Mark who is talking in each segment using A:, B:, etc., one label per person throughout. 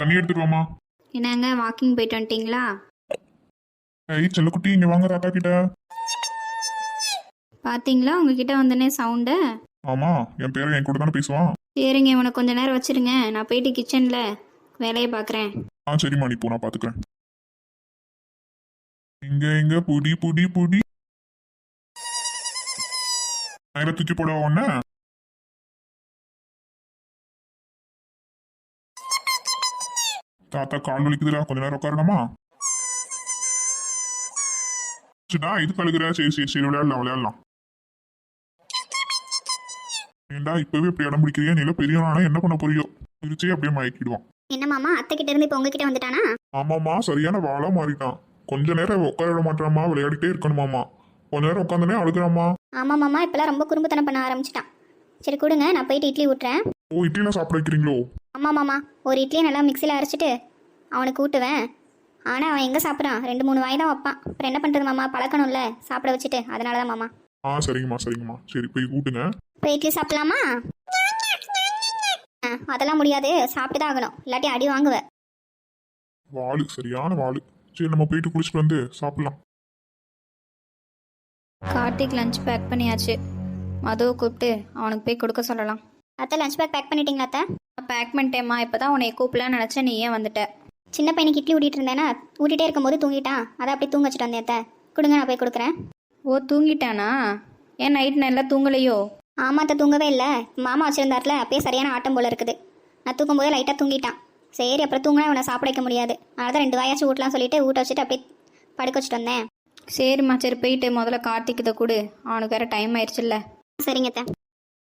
A: தண்ணி எடுத்துட்டு வாமா.
B: என்னங்க வாக்கிங் போயிட்டு வந்துட்டீங்களா?
A: ஏய் செல்லக்குட்டி, இங்க வாங்க தாத்தா கிட்ட.
B: பார்த்தீங்களா உங்ககிட்ட வந்தனே சவுண்டு.
A: ஆமா, என் பேரை என் கூட தானே பேசுவான்.
B: சரிங்க, இவனை கொஞ்ச நேரம் வச்சிருங்க, நான் போயிட்டு கிச்சனில் வேலையை பார்க்குறேன்.
A: சரிம்மா, நீ போ, நான் பாத்துக்கிறேன். இங்க புடி புடி புடி. மேல தூக்கி போட ஒண்ணு. தாத்தா கால் வலிக்குதுடா, கொஞ்ச நேரம் உட்காரணுமா? இது கழுகுற. சரி சரி சரி, விளையாடலாம். ஏண்டா இப்பவே இப்படி இடம் பிடிக்கிறியா? நீல பெரியவனானா என்ன பண்ண போறியோ? திருச்சியே அப்படியே மயக்கிடுவான்.
C: என்ன மாமா, அத்தை கிட்ட இருந்து இப்ப உங்ககிட்ட வந்துட்டானா?
A: ஆமாமா, சரியான வாழா மாறிட்டான். கொஞ்ச நேரம் உட்கார விட மாட்டாமா, விளையாடிட்டே இருக்கணுமாமா. கொஞ்ச நேரம் உட்காந்துனே அழுகுறாமா.
C: ஆமா மாமா, இப்பெல்லாம் ரொம்ப குறும்புத்தனம் பண்ண ஆரம்பிச்சிட்டான். சரி கொடுங்க, நான் போயிட்டு இட்லி ஊட்டுறேன்.
A: ஓ, இட்லிலாம் சாப்பிட வைக்கிறீங்களோ?
C: ஆமா மாமா, ஒரு இட்லியை நல்லா மிக்சியில் அரைச்சிட்டு அவனுக்கு ஊட்டுவேன். ஆனா அவன் எங்க சாப்பிட்றான், 2-3 வாய் தான் வைப்பான். அப்புறம் என்ன பண்றது மாமா, பழக்கணும்ல சாப்பிட வச்சுட்டு, அதனாலதான் மாமா.
A: சரிங்கம்மா சரி, போய் ஊட்டுங்க.
C: போய் இட்லி சாப்பிடலாமா? அதெல்லாம் முடியாது, சாப்பிட்டு தான் ஆகணும், இல்லாட்டி அடி வாங்குவேன்.
A: வாளு, சரியான வாளு. சரி, நம்ம போயிட்டு குளிச்சுட்டு வந்து சாப்பிடலாம்.
B: கார்த்திக் லஞ்ச் பேக் பண்ணியாச்சு. மதுவை கூப்பிட்டு அவனுக்கு போய் கொடுக்க சொல்லலாம்.
C: அத்தை லஞ்ச் பேக் பண்ணிட்டீங்களா அத்தை?
B: பேக் பண்ணிட்டேம்மா. இப்போ தான் உன்னை கூப்பிடலான்னு நினச்சேன், நீ ஏன் வந்துட்ட?
C: சின்ன பையனுக்கு இட்லி ஊட்டிட்டு இருந்தேன்னா, ஊட்டிகிட்டே இருக்கும்போது தூங்கிட்டான். அதை அப்படி தூங்க வச்சுட்டு வந்தேன் அத்தை. கொடுங்க, நான் போய் கொடுக்குறேன்.
B: ஓ, தூங்கிட்டானா? ஏன் நைட் நல்லா தூங்கலையோ?
C: ஆமா அத்தை, தூங்கவே இல்லை. மாமா வச்சிருந்தாருல, அப்பயே சரியான ஆட்டம் போல இருக்குது. நான் தூங்கும்போது லைட்டாக தூங்கிட்டான். சரி, அப்புறம் தூங்கினா இவனை சாப்பிட வைக்க முடியாது, அதனால தான் 2 வாயாச்சும் ஊட்டலாம் சொல்லிட்டு ஊட்ட வச்சுட்டு அப்படியே படுக்க வச்சுட்டு வந்தேன்.
B: சரிம்மா, சரி போயிட்டு முதல்ல கார்த்திக் இதை கொடு, அவனுக்கு வேற டைம் ஆயிடுச்சுல்ல.
C: சரிங்க அத்தை.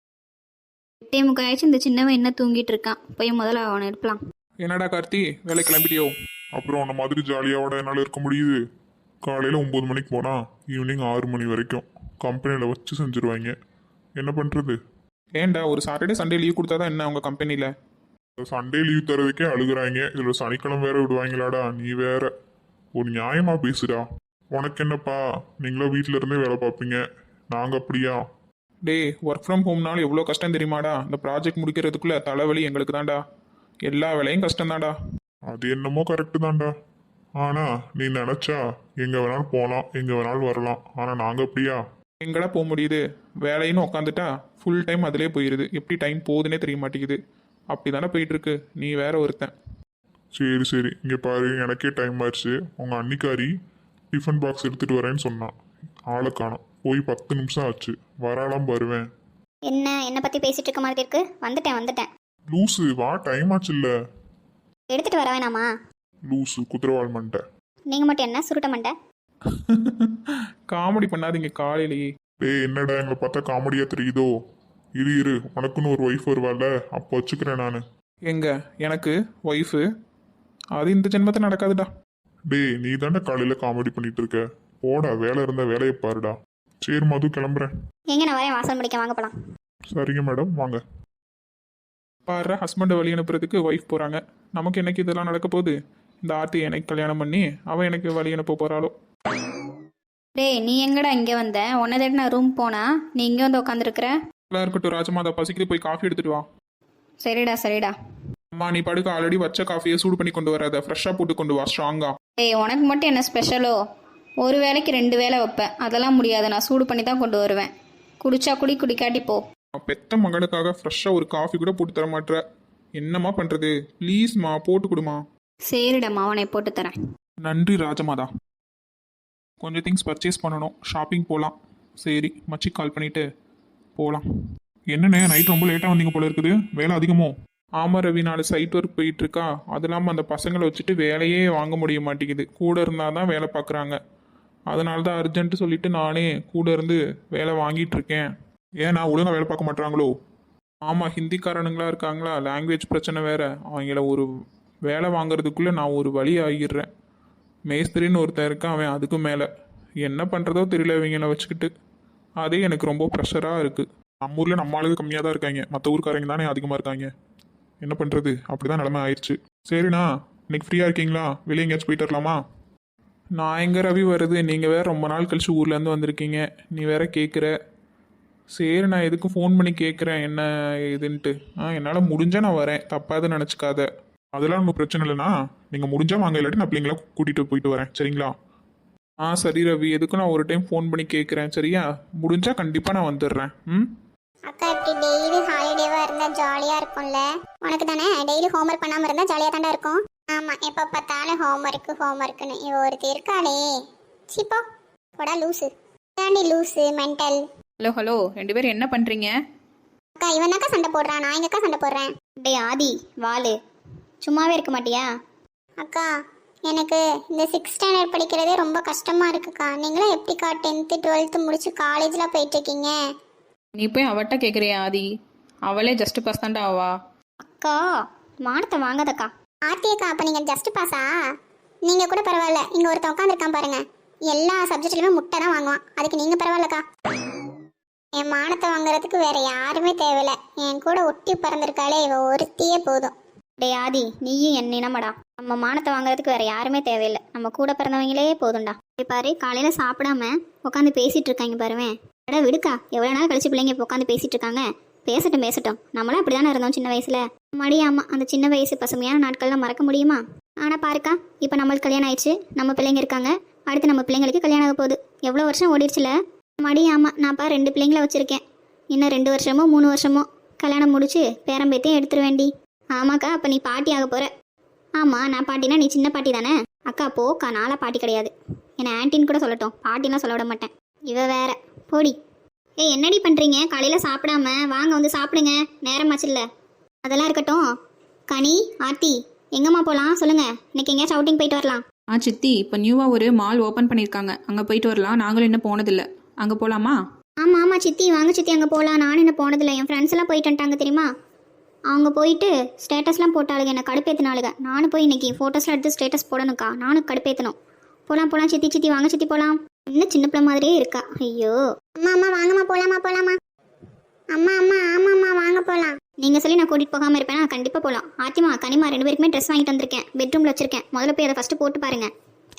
B: 8:45 ஆயிடுச்சு. இந்த சின்னவன் என்ன தூங்கிட்டு இருக்கான், போய் முதல்ல அவனை எடுக்கலாம்.
A: என்னடா கார்த்தி, வேலை கிளம்பிட்டியோ? அப்புறம் உன்ன மாதிரி ஜாலியாவோட என்னால் இருக்க முடியுது? காலையில் 9 மணிக்கு போனால் ஈவினிங் 6 மணி வரைக்கும் கம்பெனியில் வச்சு செஞ்சுருவாங்க. என்ன பண்ணுறது?
D: ஏன்டா ஒரு சாட்டர்டே சண்டே லீவ் கொடுத்தா தான் என்ன உங்கள் கம்பெனியில்?
A: சண்டே லீவ் தரதுக்கே அழுகுறாங்க, இதில் சனிக்கிழமை வேற விடுவாங்களாடா? நீ வேற ஒரு நியாயமா பேசுடா. உனக்கு என்னப்பா, நீங்களும் வீட்டில இருந்தே வேலை பார்ப்பீங்க, நாங்கள் அப்படியா?
D: டே, ஒர்க் ஃப்ரம் ஹோம்னாலும் எவ்வளோ கஷ்டம் தெரியுமாடா? இந்த ப்ராஜெக்ட் முடிக்கிறதுக்குள்ளே தலைவலி எங்களுக்கு தான்டா. எல்லா வேலையும் கஷ்டம்தான்டா.
A: அது என்னமோ கரெக்டு தான்டா. ஆனால் நீ நினச்சா எங்கே வேணாலும் போகலாம், எங்கே வேணாலும் வரலாம். ஆனால் நாங்கள் அப்படியா?
D: எங்கடா போக முடியுது? வேலைன்னு உட்காந்துட்டா ஃபுல் டைம் அதிலே போயிடுது. எப்படி டைம் போகுதுன்னே தெரிய மாட்டேங்குது. அப்படி தானே போயிட்டுருக்கு. நீ வேற ஒருத்தன்.
A: சரி சரி, இங்கே பாரு, எனக்கே டைம் ஆயிடுச்சு. உங்கள் அன்னிக்காரி டிஃபன் பாக்ஸ் எடுத்துகிட்டு வரேன்னு சொன்னான். ஆளை காணோம். போய் 10 நிமிஷம் ஆச்சு, வராலாம் வருவேன்.
C: என்ன பற்றி பேசிட்டு இருக்க மாதிரி இருக்கு? வந்துட்டேன்.
A: லூசு, வா, டைம் ஆச்சு இல்லை?
C: எடுத்துட்டு வர வேணாமா?
A: லூசு, குதிரவாள் மண்டை.
C: நீங்கள் மட்டும் என்ன சுருட்ட மண்டை?
D: காமெடி பண்ணாதீங்க காலையிலேயே.
A: டேய், என்னடா எங்களை பார்த்தா காமெடியா தெரியுதோ? இரு, உனக்குன்னு ஒரு ஒய்ஃப் வருவாள்ல, அப்போ வச்சுக்கிறேன் நான்.
D: எங்க எனக்கு ஒய்ஃபு? அது இந்த ஜென்மத்தை நடக்காதுடா.
A: டேய், நீ தானே காலையில் காமெடி பண்ணிட்டு இருக்க. போடா, வேலை இருந்தா வேலையை பாருடா. சரி மது, கிளம்புறேன்.
C: எங்க நான் வரேன், வாசல் முடிக்க வாங்க போலாம்.
A: சரிங்க மேடம், வாங்க.
D: பாரு, ஹஸ்பண்டை வழி அனுப்புறதுக்கு ஒய்ஃப் போகிறாங்க. நமக்கு என்னைக்கு இதெல்லாம் நடக்க போகுது? இந்த ஆர்த்தி எனக்கு கல்யாணம் பண்ணி அவன் எனக்கு வழி அனுப்ப போகிறாளோ?
B: டேய், நீ எங்கடா இங்கே வந்த? உன்னை தேடி நான் ரூம் போனா, நீ இங்கே வந்து உட்காந்துருக்குற.
D: எல்லாம் இருக்கட்டும் ராஜமாதா, பசிக்குது, போய் காஃபி எடுத்துட்டு வா.
B: சரிடா.
D: அம்மா, நீ படுக்க ஆல்ரெடி வச்ச காஃபியை சூடு பண்ணி கொண்டு வராத, ஃப்ரெஷ்ஷாக போட்டு கொண்டு வா, ஸ்ட்ராங்கா.
B: டேய், உனக்கு மட்டும் என்ன ஸ்பெஷலோ? ஒரு வேளைக்கு 2 வேளை வைப்பேன், அதெல்லாம் முடியாது. நான் சூடு பண்ணி தான் கொண்டு வருவேன். குடிச்சா குடி, குடிக்காட்டி போ.
D: பெத்த மகனுக்காக ஃப்ரெஷ்ஷாக ஒரு காஃபி கூட போட்டு தர மாட்டேற. என்னம்மா பண்ணுறது? ப்ளீஸ்மா, போட்டு கொடுமா.
B: சரிடா, மாவனை போட்டு தரேன்.
D: நன்றி ராஜமாதா. கொஞ்சம் திங்ஸ் பர்ச்சேஸ் பண்ணணும், ஷாப்பிங் போகலாம். சரி, மச்சி கால் பண்ணிவிட்டு போகலாம். என்னண்ணே, நைட் ரொம்ப லேட்டாக வந்தீங்க போல இருக்குது, வேலை அதிகமோ? ஆமாம் ரவி, 4 சைட் ஒர்க் போயிட்டுருக்கா. அது இல்லாமல் அந்த பசங்களை வச்சுட்டு வேலையே வாங்க முடிய மாட்டேங்குது. கூட இருந்தால் தான் வேலை பார்க்குறாங்க. அதனால தான் அர்ஜென்ட்டு சொல்லிவிட்டு நானே கூட இருந்து வேலை வாங்கிட்டுருக்கேன். ஏன்னா ஒழுங்காக வேலை பார்க்க மாட்டாங்களோ? ஆமாம், ஹிந்திக்காரனுங்களா இருக்காங்களா, லாங்குவேஜ் பிரச்சனை வேறு. அவங்கள ஒரு வேலை வாங்குறதுக்குள்ளே நான் ஒரு வழி ஆகிடுறேன். மேஸ்திரின்னு ஒருத்தன் இருக்கான், அவன் அதுக்கும் மேலே. என்ன பண்ணுறதோ தெரியல இவங்கள வச்சுக்கிட்டு. அதே எனக்கு ரொம்ப ப்ரெஷராக இருக்குது. நம்ம ஊரில் நம்ம ஆளுங்க கம்மியாக தான் இருக்காங்க, மற்ற ஊருக்காரங்க தானே அதிகமாக இருக்காங்க. என்ன பண்ணுறது, அப்படி தான் நிலமை ஆயிடுச்சு. சரிண்ணா, இன்னைக்கு ஃப்ரீயாக இருக்கீங்களா? வெளியே எங்கேயாச்சும் போயிட்டு வரலாமா? நான் எங்கே ரவி வருது, நீங்கள் வேறு ரொம்ப நாள் கழிச்சு ஊர்லேருந்து வந்திருக்கீங்க, நீ வேற கேட்குற. சரி, நான் எதுக்கும் ஃபோன் பண்ணி கேட்குறேன் என்ன இதுன்ட்டு. என்னால் முடிஞ்சால் நான் வரேன், தப்பாக எதுவும் நினச்சிக்காத.
A: அதெல்லாம் ஒன்றும் பிரச்சனை இல்லைண்ணா நீங்கள் முடிஞ்சால் வாங்க, இல்லாட்டி நான் பிள்ளைங்கள கூட்டிகிட்டு போயிட்டு வரேன். சரிங்களா?
D: ஆ சரி ரவி, எதுக்கும் நான் ஒரு டைம் ஃபோன் பண்ணி கேட்குறேன். சரியா? முடிஞ்சா கண்டிப்பாக நான் வந்துடுறேன். ம்.
E: அக்கா இப்படி டெய்லி ஹாலிடேவா இருந்தா ஜாலியா இருக்கும்ல. உனக்கு தானே டெய்லி ஹோம்ஒர்க் பண்ணாம இருந்தா ஜாலியா தாண்டா இருக்கும். ஆமா, எப்ப பார்த்தாலும் ஹோம்ஒர்க்னு இவ ஒருத்தி இருக்காளே. சிப்போ போடா லூசு. தாண்டி லூசு மென்டல்.
B: ஹலோ ஹலோ, 2 பேரும் என்ன பண்ணுறீங்க?
E: அக்கா இவனாக்கா சண்டை போடுறான், நான் எங்கக்கா சண்டை போடுறேன்.
C: டேய் ஆதி வாலு, சும்மாவே இருக்க மாட்டியா?
E: அக்கா எனக்கு இந்த 6th ஸ்டாண்டர்ட் படிக்கிறதே ரொம்ப கஷ்டமா இருக்குக்கா. நீங்களும் எப்படிக்கா 10th 12th முடிச்சு காலேஜ்லாம் போயிட்டு இருக்கீங்க?
B: நீ போய் அவட்ட கேட்குறியா ஆதி? அவளே ஜஸ்ட் பாஸ் தாண்டா ஆவா.
C: அக்கா மானத்தை வாங்காதக்கா.
E: ஆர்த்தியக்கா அப்ப நீங்க ஜஸ்ட் பாஸா? நீங்க கூட பரவாயில்ல, இங்க ஒருத்தன் உட்காந்துருக்கான் பாருங்க, எல்லா சப்ஜெக்ட்லயுமே முட்டை தான் வாங்குவான். அதுக்கு நீங்க பரவாயில்லக்கா. என் மானத்தை வாங்குறதுக்கு வேற யாருமே தேவையில்ல. என் கூட ஒட்டி பறந்திருக்காளே இவ ஒருத்தியே போதும்.
C: டேய் ஆதி, நீயும் என் இனமடா. நம்ம மானத்தை வாங்குறதுக்கு வேற யாருமே தேவையில்லை, நம்ம கூட பிறந்தவங்களே போதும்டா. டேய் பாரு, காலையில சாப்பிடாம உட்காந்து பேசிட்டு இருக்காங்க பாருவேன். அட விடுக்கா, எவ்வளோ நாள் கழிச்சு பிள்ளைங்க இப்போ உட்காந்து பேசிட்டு இருக்காங்க. பேசட்டும். நம்மளாம் அப்படி தானே இருந்தோம் சின்ன வயசுல. மடியாமா அந்த சின்ன வயசு பசுமையான நாட்கள்லாம் மறக்க முடியுமா? ஆனால் பாருக்கா, இப்போ நம்மளுக்கு கல்யாணம் ஆயிடுச்சு, நம்ம பிள்ளைங்க இருக்காங்க, அடுத்து நம்ம பிள்ளைங்களுக்கு கல்யாணம் ஆக போகுது. எவ்வளோ வருஷம் ஓடிடுச்சுல. மடியாமா நான்ப்பா 2 பிள்ளைங்கள வச்சுருக்கேன். இன்னும் 2 வருஷமோ 3 வருஷமோ கல்யாணம் முடிச்சு பேரம்பேத்தையும் எடுத்துருவேண்டி. ஆமாக்கா, அப்போ நீ பாட்டி ஆக போகிற. ஆமாம், நான் பாட்டினா நீ சின்ன பாட்டி தானே? அக்கா போக்கா, நாளாக பாட்டி கிடையாது. என்னை ஆன்ட்டின்னு கூட சொல்லட்டும், பாட்டிலாம் சொல்ல விட மாட்டேன். இவ வேற போடி. ஏய் என்னடி பண்ணுறீங்க? காலையில் சாப்பிடாம வாங்க வந்து சாப்பிடுங்க, நேரமாச்சுல்ல. அதெல்லாம் இருக்கட்டும். கனி ஆர்த்தி எங்கம்மா போகலாம் சொல்லுங்கள், இன்னைக்கு எங்கேயாச்சும் அவுட்டிங் போயிட்டு வரலாம்.
B: சித்தி, இப்போ நியூவாக ஒரு மால் ஓப்பன் பண்ணியிருக்காங்க, அங்கே போயிட்டு வரலாம். நாங்களும் இன்னும் போனதில்லை, அங்கே போகலாமா?
C: ஆமாம் சித்தி, வாங்க சித்தி அங்கே போகலாம். நானும் என்ன போனதில்லை, என் ஃப்ரெண்ட்ஸ் எல்லாம் போயிட்டு வந்துட்டாங்க தெரியுமா. அவங்க போயிட்டு ஸ்டேட்டஸ்லாம் போட்டாளுங்க, என்னை கடுப்பேற்றினாளுங்க. நானும் போய் இன்னைக்கு ஃபோட்டோஸ்லாம் எடுத்து ஸ்டேட்டஸ் போடணுக்கா, நானும் கடுப்பேற்றணும். போகலாம் சித்தி வாங்க சித்தி போகலாம். இன்னும் சின்ன பிள்ளை மாதிரியே இருக்கா. ஐயோ
E: அம்மா வாங்கம்மா போலாமா. அம்மா ஆமாம்மா வாங்க போலாம்.
C: நீங்கள் சொல்லி நான் கூட்டிகிட்டு போகாமல் இருப்பேன். நான் கண்டிப்பாக போகலாம். ஆத்திமா கனிமா 2 பேருக்குமே ட்ரெஸ் வாங்கிட்டு வந்திருக்கேன், பெட்ரூமில் வச்சிருக்கேன். முதல்ல போய் அதை ஃபஸ்ட்டு போட்டு பாருங்க.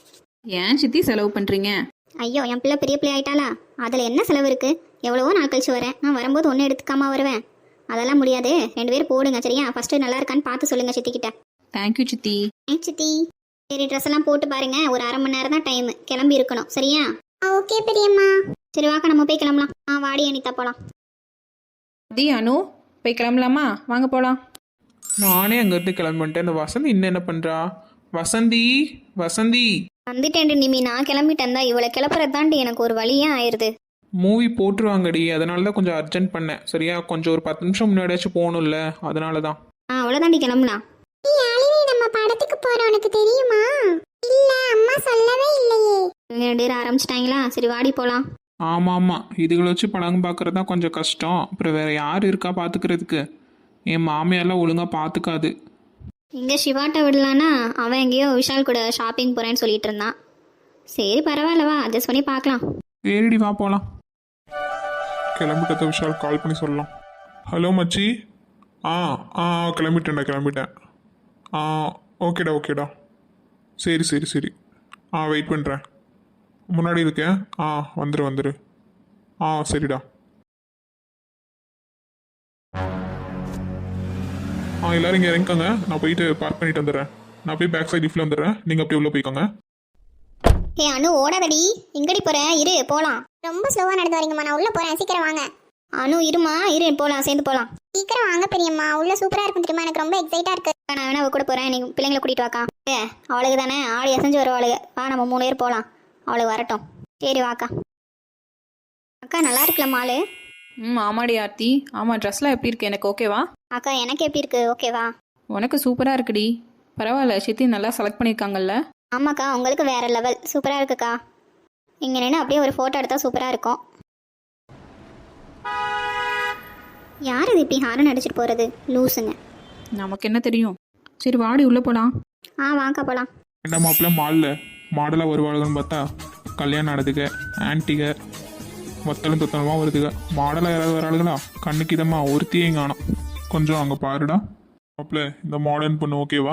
B: ஏன் சித்தி செலவு பண்ணுறீங்க?
C: ஐயோ என் பிள்ளை பெரிய பிள்ளை ஆயிட்டாளா, அதில் என்ன செலவு இருக்குது? எவ்வளவோ நாள் கழிச்சு வரேன், நான் வரும்போது ஒன்றும் எடுத்துக்காம வருவேன். அதெல்லாம் முடியாது, 2 பேர் போடுங்க சரியா? ஃபஸ்ட்டு நல்லா இருக்கான்னு பார்த்து சொல்லுங்கள் சித்திக்கிட்ட.
B: தேங்க்யூ சித்தி.
C: சித்தி சரி, ட்ரெஸ் எல்லாம் போட்டு பாருங்க. ஒரு 1/2 மணி நேரம் தான் டைம், கிளம்பி இருக்கணும் சரியா?
E: ஓகே பெரியம்மா.
C: சரி வாக்கா, நம்ம போய் கிளம்பலாம். வாடி அனிதா போகலாம்.
B: தி அனு, போய் கிளம்பலாமா? வாங்க போகலாம்.
D: நானே அங்கேருந்து கிளம்பிட்டேன். இந்த வசந்தி இன்னும் என்ன பண்ணுறா? வசந்தி
C: வந்துட்டேன் நிமி, நான் கிளம்பிட்டேன் தான். இவளை கிளப்புறது தாண்டி எனக்கு ஒரு வழியே ஆயிடுது.
D: மூவி போட்டுருவாங்கடி, அதனால தான் கொஞ்சம் அர்ஜென்ட் பண்ணேன். சரியா? கொஞ்சம் ஒரு 10 நிமிஷம் முன்னாடியாச்சும் போகணும்ல, அதனால தான்.
C: அவ்வளோதாண்டி, கிளம்பலாம்.
E: நம்ம படத்துக்கு போறோம், உனக்கு தெரியுமா? இல்ல அம்மா சொல்லவே இல்லையே.
C: 2 பேர் ஆரம்பிச்சிட்டாங்களா? சரி வாடி போகலாம்.
D: ஆமாம், இதுகளை வச்சு படம் பார்க்குறது தான் கொஞ்சம் கஷ்டம். அப்புறம் வேறு யார் இருக்கா பார்த்துக்கிறதுக்கு? என் மாமியாரெலாம் ஒழுங்காக பார்த்துக்காது.
C: இங்கே சிவாட்ட விடலான்னா அவன் எங்கேயோ விஷால் கூட ஷாப்பிங் போகிறேன்னு சொல்லிட்டு இருந்தான். சரி பரவாயில்லவா, அட்ஜஸ்ட் பண்ணி பார்க்கலாம்.
D: சரிடி வா போகலாம்.
A: கிளம்பிட்டத விஷால் கால் பண்ணி சொல்லலாம். ஹலோ மச்சி. கிளம்பிட்டேன். ஓகேடா. சரி. வெயிட் பண்ணுறேன். முன்னாடி இருக்கேன். வந்துரு. சரிடா. எல்லாரும் இங்கே இறங்கிக்கோங்க, நான் போயிட்டு பார்க் பண்ணிட்டு வந்துடுறேன். நான் போய் பேக் சைட் லிஃப்ட்ல வந்துடுறேன், நீங்கள் அப்படியே உள்ளே போய்க்கோங்க.
C: ஏ அனு ஓடாதடி, எங்கடி போற? இரு போலாம்.
E: ரொம்ப ஸ்லோவா நடந்து வரீங்கம்மா, நான் உள்ள போறேன், சீக்கிரம் வாங்க.
C: அனு இருமா, இரு போலாம், சேர்ந்து போலாம்.
E: சீக்கிரம் வாங்க பெரியம்மா, உள்ள சூப்பரா இருக்கும் தெரியுமா, எனக்கு ரொம்ப எக்ஸைட்டா இருக்கு.
C: நான் வேணா அவ கூட போறேன், நீ பிள்ளைங்களை கூட்டிட்டு வாக்கா. அவளுக்கு தானே ஆடி அசைஞ்சு வருவாளுங்க. வா நம்ம 3 பேர் போலாம், அவளுக்கு வரட்டும். சரி வாக்கா. அக்கா நல்லா இருக்குல்ல மாலு?
B: ஆமாடி ஆர்த்தி. ஆமாம், ட்ரெஸ்லாம் எப்படி இருக்கு? எனக்கு ஓகேவா?
C: அக்கா எனக்கு எப்படி இருக்கு? ஓகேவா?
B: உனக்கு சூப்பராக இருக்குடி. பரவாயில்ல, சித்தி நல்லா செலக்ட் பண்ணியிருக்காங்கல்ல.
C: ஆமாக்கா, உங்களுக்கு வேற லெவல், சூப்பராக இருக்குக்கா. இங்கே நின்று அப்படியே ஒரு ஃபோட்டோ எடுத்தால் சூப்பராக இருக்கும். யார் இது இப்படி ஹாரன் அடிச்சிட்டு போகிறது? லூஸுங்க.
B: நமக்கு என்ன தெரியும். சரி வாடி உள்ளே போகலாம்.
C: வாக்கா போகலாம்.
A: என்ன மாப்பிள்ள மாடலாக வருவாளுன்னு பார்த்தா கல்யாணம் நடந்துக்க ஆன்ட்டிக வத்தலும் தொத்தனமாக வருதுங்க. மாடலாக யாராவது வராளுங்களா? கண்ணுக்கு இதமா ஒருத்தியே காணும். கொஞ்சம் அங்கே பாருடா மாப்பிள்ள, இந்த மாடர்ன் பொண்ணு ஓகேவா?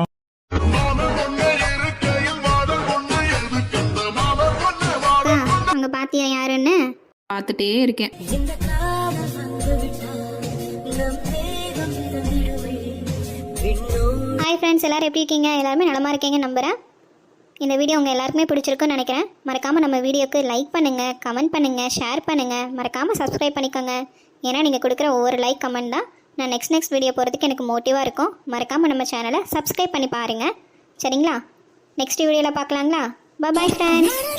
C: அங்கே பார்த்தியா யாருன்னு?
B: பார்த்துட்டே இருக்கேன்.
C: ஹாய் ஹாய் ஃப்ரெண்ட்ஸ், எல்லோரும் எப்படி இருக்கீங்க? எல்லாருமே நலமாக இருக்கீங்கன்னு நம்புகிறேன். இந்த வீடியோ உங்கள் எல்லாருக்குமே பிடிச்சிருக்குன்னு நினைக்கிறேன். மறக்காமல் நம்ம வீடியோக்கு லைக் பண்ணுங்கள், கமெண்ட் பண்ணுங்கள், ஷேர் பண்ணுங்கள், மறக்காமல் சப்ஸ்கிரைப் பண்ணிக்கோங்க. ஏன்னா நீங்கள் கொடுக்குற ஒவ்வொரு லைக் கமெண்ட் தான் நான் நெக்ஸ்ட் வீடியோ போகிறதுக்கு எனக்கு மோட்டிவாக இருக்கும். மறக்காமல் நம்ம சேனலை சப்ஸ்கிரைப் பண்ணி பாருங்கள். சரிங்களா? நெக்ஸ்ட் வீடியோவில் பார்க்கலாங்களா? Bye friends.